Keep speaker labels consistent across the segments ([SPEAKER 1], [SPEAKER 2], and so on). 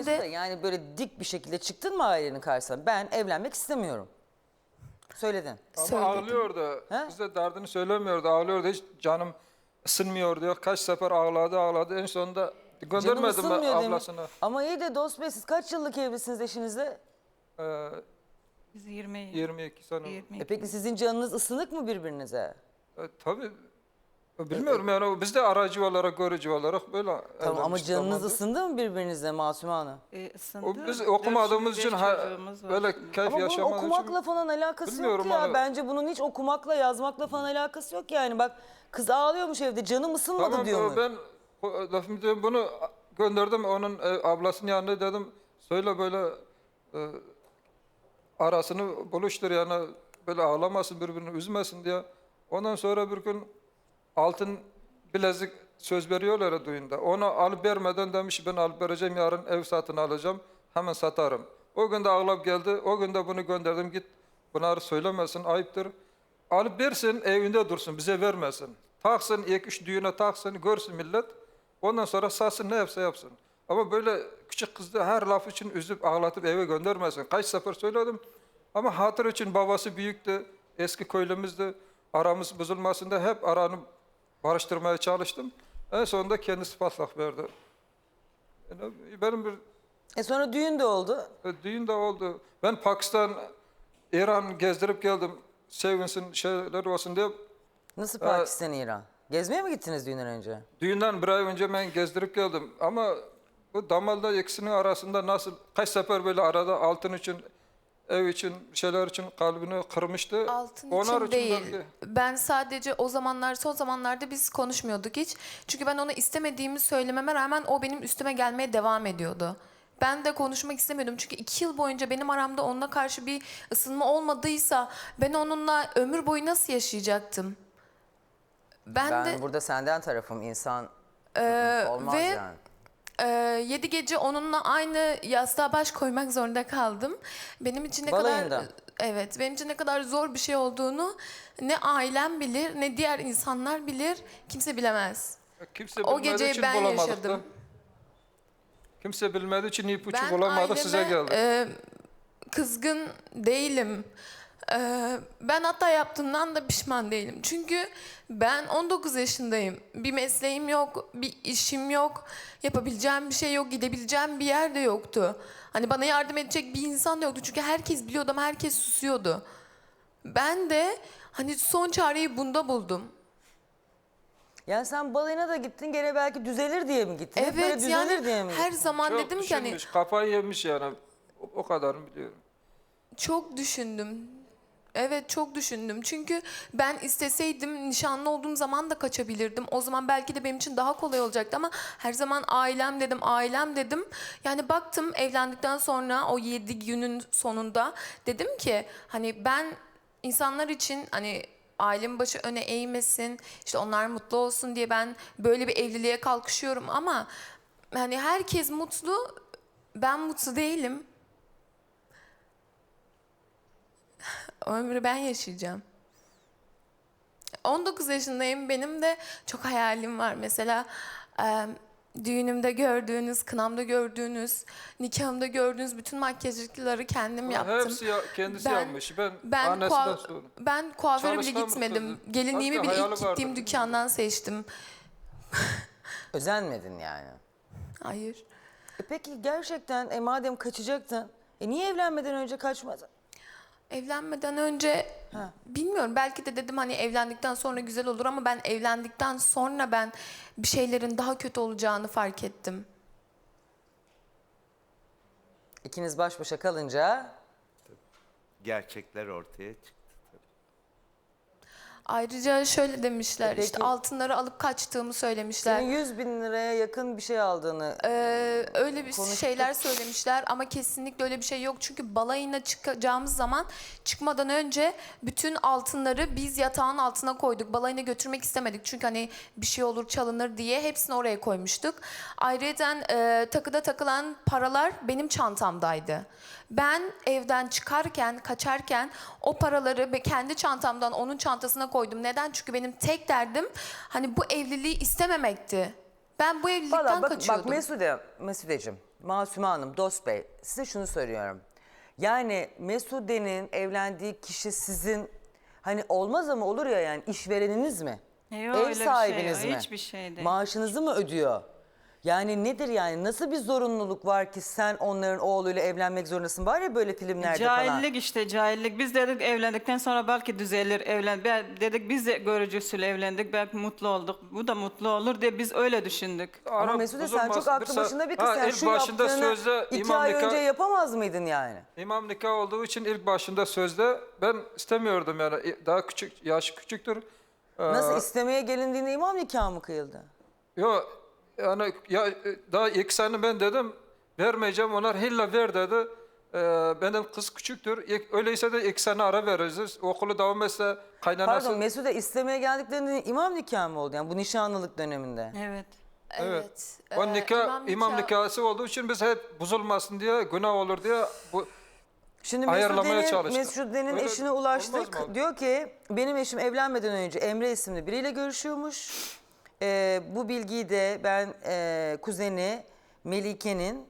[SPEAKER 1] Mesude
[SPEAKER 2] Yani böyle dik bir şekilde çıktın mı ailenin karşısına? Ben evlenmek istemiyorum. Söyledin.
[SPEAKER 3] Ama
[SPEAKER 1] Söyledim.
[SPEAKER 3] ağlıyordu.
[SPEAKER 2] He?
[SPEAKER 3] Bize derdini söylemiyordu. Ağlıyordu. Hiç canım ısınmıyor diyor. Kaç sefer ağladı. En sonunda
[SPEAKER 2] Canım
[SPEAKER 3] göndermedim ben
[SPEAKER 2] ısınmıyor demiş.
[SPEAKER 3] ablasına.
[SPEAKER 2] Ama iyi de dost bey, siz kaç yıllık evlisiniz eşinizle?
[SPEAKER 4] Biz 20
[SPEAKER 3] 22 sene.
[SPEAKER 4] 20.
[SPEAKER 2] Peki sizin canınız ısınık mı birbirinize?
[SPEAKER 3] Tabii. Bilmiyorum yani biz de aracı olarak, görücü olarak böyle
[SPEAKER 2] Tamam, ama
[SPEAKER 3] evlenmiştik
[SPEAKER 2] canınız
[SPEAKER 3] zamanında.
[SPEAKER 2] ısındı mı birbirinize Masume Hanım?
[SPEAKER 4] Isındı.
[SPEAKER 3] Biz okumadığımız
[SPEAKER 4] 4-5
[SPEAKER 3] için
[SPEAKER 4] çocuğumuz var
[SPEAKER 3] böyle
[SPEAKER 4] şimdi.
[SPEAKER 3] keyif
[SPEAKER 2] Ama bunun
[SPEAKER 3] yaşamadığımız
[SPEAKER 2] okumakla
[SPEAKER 3] için.
[SPEAKER 2] falan alakası yok
[SPEAKER 3] Bilmiyorum
[SPEAKER 2] ya.
[SPEAKER 3] hani-
[SPEAKER 2] Bence bunun hiç okumakla, yazmakla falan alakası yok yani. Bak, kız ağlıyormuş evde, canım ısınmadı
[SPEAKER 3] Tamam
[SPEAKER 2] diyor mu?
[SPEAKER 3] ben lafımı diyorum, bunu gönderdim onun ablasının yanına, dedim söyle böyle arasını buluştur yani, böyle ağlamasın, birbirini üzmesin diye. Ondan sonra bir gün altın bilezik söz veriyorlar ya düğünde. Onu alıp vermeden demiş ben alıp vereceğim, yarın ev satın alacağım, hemen satarım. O gün de ağlayıp geldi. O gün de bunu gönderdim, git bunları söylemesin, ayıptır. Alıp versin, evinde dursun, bize vermesin. Taksın, ilk üç düğüne taksın, görsün millet. Ondan sonra satsın, ne yapsa yapsın. Ama böyle küçük kızı her laf için üzüp ağlatıp eve göndermesin. Kaç sefer söyledim. Ama hatır için, babası büyüktü, eski köylümüzdü. Aramız bozulmasın da hep aranı barıştırmaya çalıştım. En sonunda kendisi patlak verdi. Yani benim bir
[SPEAKER 2] Sonra düğün de oldu.
[SPEAKER 3] düğün de oldu. Ben Pakistan, İran gezdirip geldim. Sevinsin, şeyler olsun diye.
[SPEAKER 2] Nasıl Pakistan, İran? Gezmeye mi gittiniz düğünden önce?
[SPEAKER 3] Düğünden bir ay önce ben gezdirip geldim. Ama bu damalda ikisinin arasında nasıl, kaç sefer böyle arada altın için, ev için, şeyler için kalbini kırmıştı.
[SPEAKER 1] altın
[SPEAKER 3] Onlar
[SPEAKER 1] için değil.
[SPEAKER 3] belki-
[SPEAKER 1] Ben sadece o zamanlar, son zamanlarda biz konuşmuyorduk hiç. Çünkü ben ona istemediğimi söylememe rağmen o benim üstüme gelmeye devam ediyordu. Ben de konuşmak istemiyordum. Çünkü 2 yıl boyunca benim aramda onunla karşı bir ısınma olmadıysa ben onunla ömür boyu nasıl yaşayacaktım? Ben de
[SPEAKER 2] Burada senden tarafım, insan olmaz
[SPEAKER 1] ve
[SPEAKER 2] yani.
[SPEAKER 1] 7 gece onunla aynı yastığa baş koymak zorunda kaldım. Benim için ne
[SPEAKER 2] Balayında.
[SPEAKER 1] kadar, evet, benim için ne kadar zor bir şey olduğunu ne ailem bilir, ne diğer insanlar bilir, kimse bilemez.
[SPEAKER 3] Kimse
[SPEAKER 1] O
[SPEAKER 3] bilmediği
[SPEAKER 1] geceyi
[SPEAKER 3] için
[SPEAKER 1] ben
[SPEAKER 3] bulamadık
[SPEAKER 1] yaşadım.
[SPEAKER 3] da. Kimse bilmediği için ipucu
[SPEAKER 1] Ben
[SPEAKER 3] bulamadık, size
[SPEAKER 1] aileme,
[SPEAKER 3] geldik.
[SPEAKER 1] Kızgın değilim. Ben hata yaptığımdan da pişman değilim. Çünkü ben 19 yaşındayım. Bir mesleğim yok, bir işim yok. Yapabileceğim bir şey yok, gidebileceğim bir yer de yoktu. Hani bana yardım edecek bir insan da yoktu. Çünkü herkes biliyordu ama herkes susuyordu. Ben de hani son çareyi bunda buldum.
[SPEAKER 2] Yani sen balayına da gittin, gene belki düzelir diye mi gittin? Hep böyle
[SPEAKER 1] Evet,
[SPEAKER 2] düzelir
[SPEAKER 1] yani
[SPEAKER 2] diye mi
[SPEAKER 1] her
[SPEAKER 2] gittin?
[SPEAKER 1] zaman
[SPEAKER 3] Çok
[SPEAKER 1] dedim ki hani
[SPEAKER 3] düşünmüş, kafayı yemiş yani. O kadarını biliyorum.
[SPEAKER 1] çok düşündüm. Evet, çok düşündüm. Çünkü ben isteseydim nişanlı olduğum zaman da kaçabilirdim. O zaman belki de benim için daha kolay olacaktı ama her zaman ailem dedim, ailem dedim. Yani baktım evlendikten sonra o 7 günün sonunda dedim ki hani ben insanlar için hani ailemin başı öne eğmesin, işte onlar mutlu olsun diye ben böyle bir evliliğe kalkışıyorum ama hani herkes mutlu, ben mutlu değilim. Ömrü ben yaşayacağım. 19 yaşındayım. Benim de çok hayalim var. Mesela düğünümde gördüğünüz, kınamda gördüğünüz, nikahımda gördüğünüz bütün makyajlıkları kendim yaptım.
[SPEAKER 3] Hepsi kendisi
[SPEAKER 1] Ben-
[SPEAKER 3] yapmış. Ben
[SPEAKER 1] Ben,
[SPEAKER 3] annesinden sordum.
[SPEAKER 1] ben kuaföre bile
[SPEAKER 3] Çalışkan bir
[SPEAKER 1] gitmedim.
[SPEAKER 3] kızdı.
[SPEAKER 1] Gelinliğimi
[SPEAKER 3] Hatta
[SPEAKER 1] bile
[SPEAKER 3] hayali
[SPEAKER 1] ilk
[SPEAKER 3] vardı,
[SPEAKER 1] gittiğim
[SPEAKER 3] değil mi?
[SPEAKER 1] dükkandan seçtim.
[SPEAKER 2] Özenmedin yani.
[SPEAKER 1] Hayır.
[SPEAKER 2] Peki gerçekten madem kaçacaktın, niye evlenmeden önce kaçmadın?
[SPEAKER 1] Evlenmeden önce bilmiyorum, belki de dedim hani evlendikten sonra güzel olur ama ben evlendikten sonra ben bir şeylerin daha kötü olacağını fark ettim.
[SPEAKER 2] İkiniz baş başa kalınca
[SPEAKER 5] Gerçekler ortaya çıktı.
[SPEAKER 1] Ayrıca şöyle demişler,
[SPEAKER 2] Peki.
[SPEAKER 1] işte altınları alıp kaçtığımı söylemişler.
[SPEAKER 2] senin 100.000 liraya yakın bir şey aldığını...
[SPEAKER 1] Öyle bir
[SPEAKER 2] Konuştuk.
[SPEAKER 1] şeyler söylemişler ama kesinlikle öyle bir şey yok. Çünkü balayına çıkacağımız zaman çıkmadan önce bütün altınları biz yatağın altına koyduk. Balayına götürmek istemedik çünkü hani bir şey olur çalınır diye hepsini oraya koymuştuk. Ayrıca takıda takılan paralar benim çantamdaydı. Ben evden çıkarken, kaçarken o paraları kendi çantamdan onun çantasına koydum. Neden? Çünkü benim tek derdim hani bu evliliği istememekti. Ben bu evlilikten
[SPEAKER 2] Valla bak
[SPEAKER 1] kaçıyordum.
[SPEAKER 2] Mesudeciğim, Masume Hanım, Dost Bey, size şunu soruyorum. Yani Mesude'nin evlendiği kişi sizin hani olmaz ama olur ya yani işvereniniz mi?
[SPEAKER 4] Yok,
[SPEAKER 2] Ev
[SPEAKER 4] öyle bir şey
[SPEAKER 2] sahibiniz
[SPEAKER 4] yok,
[SPEAKER 2] mi?
[SPEAKER 4] hiçbir şey değil.
[SPEAKER 2] Maaşınızı mı ödüyor? Yani nedir yani? Nasıl bir zorunluluk var ki sen onların oğluyla evlenmek zorundasın? Var ya böyle filmlerde falan.
[SPEAKER 4] Cahillik işte cahillik. Biz dedik evlendikten sonra belki düzelir dedik biz de görücü usulü evlendik. Belki mutlu olduk. Bu da mutlu olur diye biz öyle düşündük.
[SPEAKER 2] Ama
[SPEAKER 3] Ara
[SPEAKER 2] Mesude sen
[SPEAKER 3] bozulmasın.
[SPEAKER 2] çok aklı
[SPEAKER 3] Mesela-
[SPEAKER 2] başında bir kız. Sen
[SPEAKER 3] ilk
[SPEAKER 2] şu
[SPEAKER 3] başında
[SPEAKER 2] yaptığını
[SPEAKER 3] sözde
[SPEAKER 2] 2
[SPEAKER 3] imam
[SPEAKER 2] ay
[SPEAKER 3] nikah-
[SPEAKER 2] önce yapamaz mıydın yani?
[SPEAKER 3] İmam nikah olduğu için ilk başında sözde ben istemiyordum yani daha küçük, yaşı küçüktür.
[SPEAKER 2] Nasıl istemeye gelindiğinde imam nikahı mı kıyıldı?
[SPEAKER 3] Yok yani ya, daha ilk sene ben dedim vermeyeceğim, onlar hilla ver dedi. Benim kız küçüktür. Öyleyse de ilk sene ara veririz. Okulu devam etse kaynanası.
[SPEAKER 2] Pardon Mesude istemeye geldiklerinde imam nikahı mı oldu? Yani bu nişanlılık döneminde.
[SPEAKER 4] Evet.
[SPEAKER 3] Evet.
[SPEAKER 1] Evet.
[SPEAKER 3] O nikah, imam nikahı olduğu için biz hep bozulmasın diye, günah olur diye bu
[SPEAKER 2] Şimdi
[SPEAKER 3] ayarlamaya çalıştık.
[SPEAKER 2] Mesude'nin
[SPEAKER 3] Öyle
[SPEAKER 2] eşine
[SPEAKER 3] olmaz
[SPEAKER 2] ulaştık.
[SPEAKER 3] mı abi?
[SPEAKER 2] Diyor ki benim eşim evlenmeden önce Emre isimli biriyle görüşüyormuş. Bu bilgiyi de ben kuzeni Melike'nin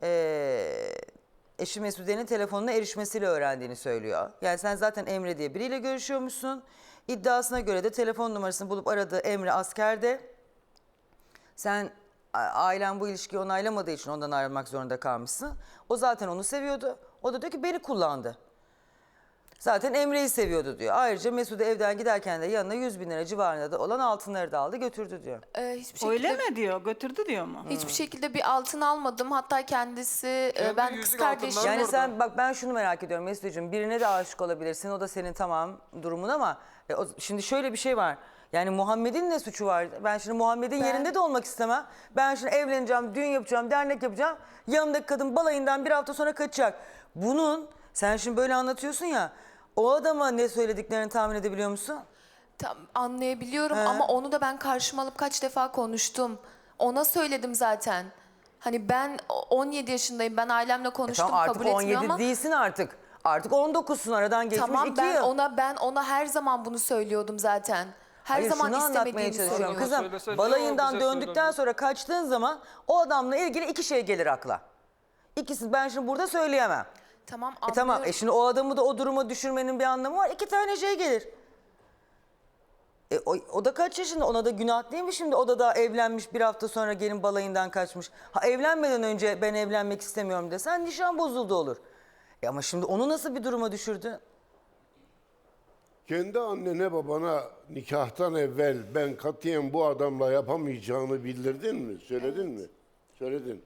[SPEAKER 2] eşi Mesude'nin telefonuna erişmesiyle öğrendiğini söylüyor. Yani sen zaten Emre diye biriyle görüşüyormuşsun. İddiasına göre de telefon numarasını bulup aradığı Emre askerde. Sen ailen bu ilişkiyi onaylamadığı için ondan ayrılmak zorunda kalmışsın. O zaten onu seviyordu. O da diyor ki beni kullandı. Zaten Emre'yi seviyordu diyor. Ayrıca Mesude evden giderken de yanına 100.000 lira civarında da olan altınları da aldı götürdü diyor.
[SPEAKER 1] Hiçbir şekilde,
[SPEAKER 4] Öyle mi diyor? Götürdü diyor mu?
[SPEAKER 1] Hiçbir şekilde bir altın almadım. Hatta kendisi
[SPEAKER 3] Kendi
[SPEAKER 1] ben kız
[SPEAKER 3] yüzük
[SPEAKER 1] kardeşim.
[SPEAKER 3] altınları
[SPEAKER 2] Yani
[SPEAKER 3] orada.
[SPEAKER 2] sen bak ben şunu merak ediyorum Mesude'cığım, birine de aşık olabilirsin, o da senin tamam durumun ama şimdi şöyle bir şey var. Yani Muhammed'in ne suçu var? Ben şimdi Muhammed'in yerinde de olmak istemem. Ben şimdi evleneceğim, düğün yapacağım, dernek yapacağım. Yanımdaki kadın balayından bir hafta sonra kaçacak. Bunun sen şimdi böyle anlatıyorsun ya, o adama ne söylediklerini tahmin edebiliyor musun?
[SPEAKER 1] Tam anlayabiliyorum ama onu da ben karşıma alıp kaç defa konuştum. Ona söyledim zaten. Hani ben 17 yaşındayım. Ben ailemle konuştum,
[SPEAKER 2] Tamam artık
[SPEAKER 1] kabul etmiyor
[SPEAKER 2] 17
[SPEAKER 1] ama
[SPEAKER 2] değilsin artık. Artık 19'sun, aradan geçmiş
[SPEAKER 1] tamam
[SPEAKER 2] 2
[SPEAKER 1] ben
[SPEAKER 2] yıl.
[SPEAKER 1] ona her zaman bunu söylüyordum zaten. Her
[SPEAKER 2] Hayır,
[SPEAKER 1] zaman
[SPEAKER 2] şunu anlatmaya
[SPEAKER 1] istemediğimi
[SPEAKER 2] çalışıyorum.
[SPEAKER 1] söylüyordum.
[SPEAKER 2] Kızım
[SPEAKER 3] Söylese ne
[SPEAKER 2] balayından
[SPEAKER 3] o bize
[SPEAKER 2] döndükten
[SPEAKER 3] söylemiyor?
[SPEAKER 2] sonra kaçtığın zaman o adamla ilgili 2 şey gelir akla. İkisi ben şimdi burada söyleyemem.
[SPEAKER 1] Tamam
[SPEAKER 2] Tamam
[SPEAKER 1] anlıyorum.
[SPEAKER 2] şimdi o adamı da o duruma düşürmenin bir anlamı var. 2 tane şey gelir. O da kaç yaşında? Ona da günah değil mi şimdi? O da daha evlenmiş, bir hafta sonra gelin balayından kaçmış. Ha evlenmeden önce ben evlenmek istemiyorum desen nişan bozuldu olur. Ama şimdi onu nasıl bir duruma düşürdü?
[SPEAKER 6] Kendi annene babana nikahtan evvel ben katiyen bu adamla yapamayacağını bildirdin mi? Söyledin mi? Söyledin.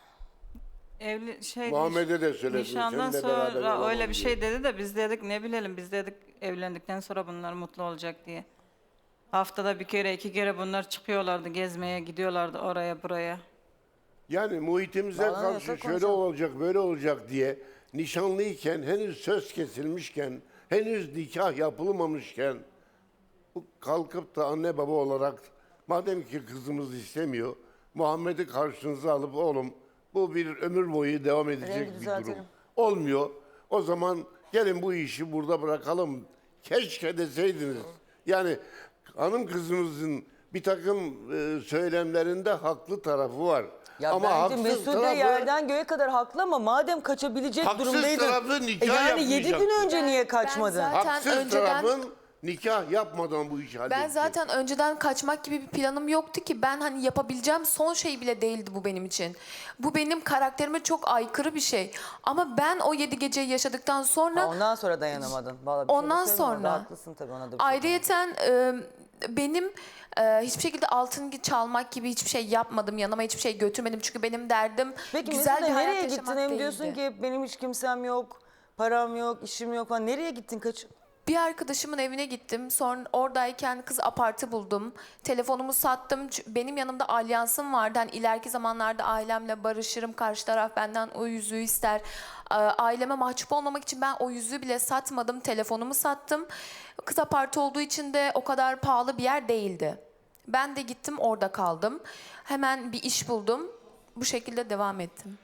[SPEAKER 6] Muhammed'e de söyledin,
[SPEAKER 4] Nişandan
[SPEAKER 6] seninle beraber
[SPEAKER 4] sonra
[SPEAKER 6] olamam
[SPEAKER 4] öyle bir
[SPEAKER 6] diye.
[SPEAKER 4] şey dedi de biz dedik ne bilelim biz dedik evlendikten sonra bunlar mutlu olacak diye. Haftada bir kere 2 kere bunlar çıkıyorlardı gezmeye gidiyorlardı oraya buraya.
[SPEAKER 6] Yani muhitimize
[SPEAKER 2] Bağlanıyorsa
[SPEAKER 6] karşı şöyle
[SPEAKER 2] konuşalım.
[SPEAKER 6] olacak böyle olacak diye nişanlıyken henüz söz kesilmişken henüz nikah yapılmamışken bu kalkıp da anne baba olarak madem ki kızımız istemiyor Muhammed'i karşınıza alıp oğlum bu bir ömür boyu devam edecek
[SPEAKER 2] Rengi
[SPEAKER 6] bir
[SPEAKER 2] düzeltelim.
[SPEAKER 6] durum. Olmuyor. O zaman gelin bu işi burada bırakalım. Keşke deseydiniz. Yani hanım kızımızın bir takım söylemlerinde haklı tarafı var.
[SPEAKER 2] Ya
[SPEAKER 6] ama
[SPEAKER 2] bence
[SPEAKER 6] haksız
[SPEAKER 2] Mesude
[SPEAKER 6] tarafı,
[SPEAKER 2] yerden göğe kadar haklı ama madem kaçabilecek
[SPEAKER 6] Haksız
[SPEAKER 2] durumdaydın.
[SPEAKER 6] tarafı nikah
[SPEAKER 2] yani 7 gün
[SPEAKER 6] yapmayacaktı.
[SPEAKER 2] önce niye
[SPEAKER 1] Ben
[SPEAKER 2] kaçmadın?
[SPEAKER 1] zaten
[SPEAKER 6] haksız
[SPEAKER 1] önceden-
[SPEAKER 6] tarafın nikah yapmadan bu işi halledecek.
[SPEAKER 1] Ben zaten önceden kaçmak gibi bir planım yoktu ki. Ben hani yapabileceğim son şey bile değildi bu benim için. Bu benim karakterime çok aykırı bir şey. Ama ben o 7 geceyi yaşadıktan sonra
[SPEAKER 2] Ha, ondan sonra dayanamadın. Vallahi bir şey de
[SPEAKER 1] Ondan
[SPEAKER 2] söyleyeyim, orada
[SPEAKER 1] sonra.
[SPEAKER 2] haklısın tabii ona da bir şey
[SPEAKER 1] ayrıyeten benim hiçbir şekilde altın çalmak gibi hiçbir şey yapmadım. Yanıma hiçbir şey götürmedim. Çünkü benim derdim
[SPEAKER 2] Peki
[SPEAKER 1] güzel
[SPEAKER 2] Mesude
[SPEAKER 1] bir hayat
[SPEAKER 2] nereye gittin?
[SPEAKER 1] yaşamak
[SPEAKER 2] Hem
[SPEAKER 1] değildi.
[SPEAKER 2] diyorsun ki benim hiç kimsem yok, param yok, işim yok falan. Nereye gittin kaç?
[SPEAKER 1] Bir arkadaşımın evine gittim. Sonra oradayken kız apartı buldum. Telefonumu sattım. Benim yanımda alyansım vardı. Hani ileriki zamanlarda ailemle barışırım. Karşı taraf benden o yüzüğü ister. Aileme mahcup olmamak için ben o yüzüğü bile satmadım. Telefonumu sattım. Kız apartı olduğu için de o kadar pahalı bir yer değildi. Ben de gittim orada kaldım. Hemen bir iş buldum. Bu şekilde devam ettim.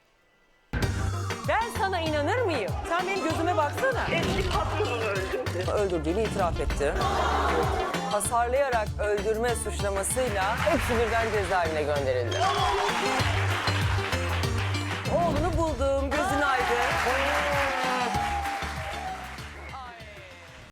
[SPEAKER 2] Ben sana inanır mıyım? Sen benim gözüme baksana.
[SPEAKER 7] Eski patronunu öldürdü.
[SPEAKER 2] Öldürdüğünü itiraf etti. Hasarlayarak öldürme suçlamasıyla hepsi birden cezaevine gönderildi.